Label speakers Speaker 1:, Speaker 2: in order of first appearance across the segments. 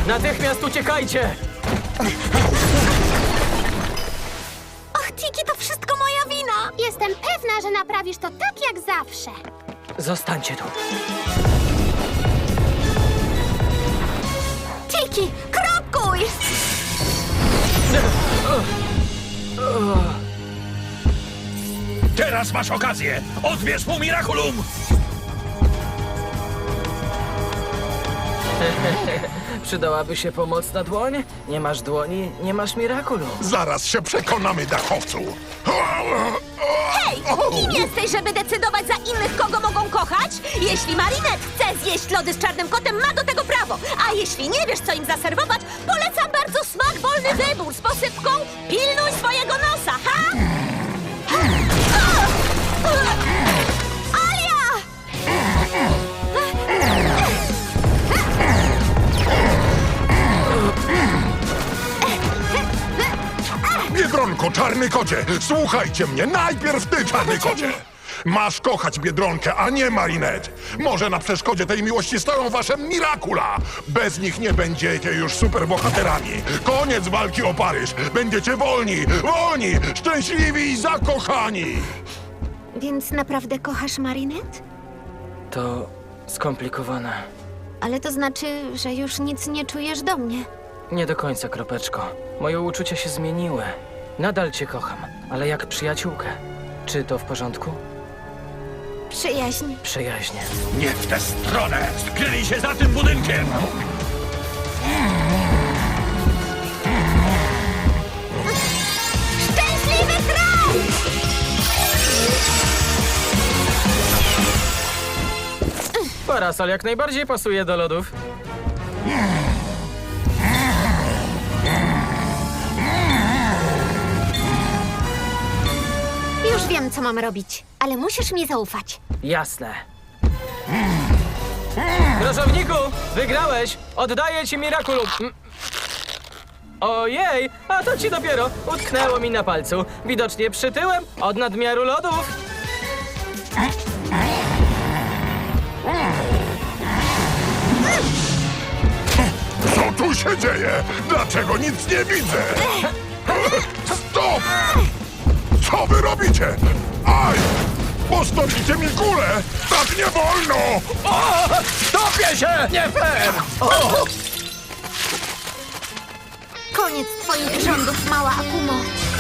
Speaker 1: Natychmiast uciekajcie!
Speaker 2: Och, Tiki, to wszystko moja wina!
Speaker 3: Jestem pewna, że naprawisz to tak jak zawsze.
Speaker 1: Zostańcie tu.
Speaker 2: Tiki, krokuj!
Speaker 4: Teraz masz okazję! Odbierz mu Miraculum!
Speaker 1: Przydałaby się pomocna dłoń? Nie masz dłoni, nie masz Miraculum.
Speaker 5: Zaraz się przekonamy, dachowcu.
Speaker 2: Hej, kim jesteś, żeby decydować za innych, kogo mogą kochać? Jeśli Marinette chce zjeść lody z czarnym kotem, ma do tego prawo. A jeśli nie wiesz, co im zaserwować, polecam bardzo smak wolny wybór z posypką pilnuj swojego nosa, ha? Alia!
Speaker 5: Biedronko, czarny kocie, słuchajcie mnie, najpierw ty, czarny kocie. Masz kochać Biedronkę, a nie Marinette. Może na przeszkodzie tej miłości stoją wasze Miracula. Bez nich nie będziecie już superbohaterami. Koniec walki o Paryż. Będziecie wolni, wolni, szczęśliwi i zakochani.
Speaker 2: Więc naprawdę kochasz Marinette?
Speaker 1: To skomplikowane.
Speaker 2: Ale to znaczy, że już nic nie czujesz do mnie.
Speaker 1: Nie do końca, Kropeczko. Moje uczucia się zmieniły. Nadal cię kocham, ale jak przyjaciółkę. Czy to w porządku?
Speaker 2: Przyjaźń.
Speaker 1: Przyjaźnie.
Speaker 4: Nie w tę stronę! Skryli się za tym budynkiem!
Speaker 2: Szczęśliwy kraj!
Speaker 1: Parasol jak najbardziej pasuje do lodów.
Speaker 2: Już wiem, co mam robić, ale musisz mi zaufać.
Speaker 1: Jasne. Grożowniku, wygrałeś! Oddaję ci Miraculum. Ojej, a to ci dopiero utknęło mi na palcu. Widocznie przytyłem od nadmiaru lodów.
Speaker 5: Co tu się dzieje? Dlaczego nic nie widzę? Stop! Co wy robicie? Aj! Postawicie mi kulę! Tak nie wolno!
Speaker 4: Topię się! Nie fair!
Speaker 2: Koniec twoich rządów, mała Akumo.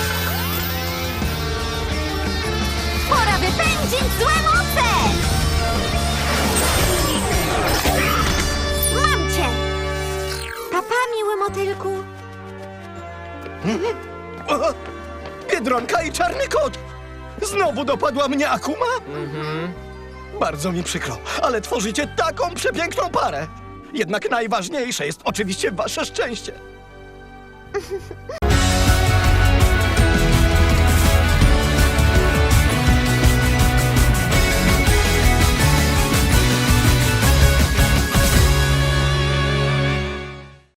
Speaker 2: Pora wypędzić złe moce! Mam cię! Papa, miły motylku.
Speaker 6: Biedronka i czarny kot! Znowu dopadła mnie Akuma? Bardzo mi przykro, ale tworzycie taką przepiękną parę. Jednak najważniejsze jest oczywiście wasze szczęście.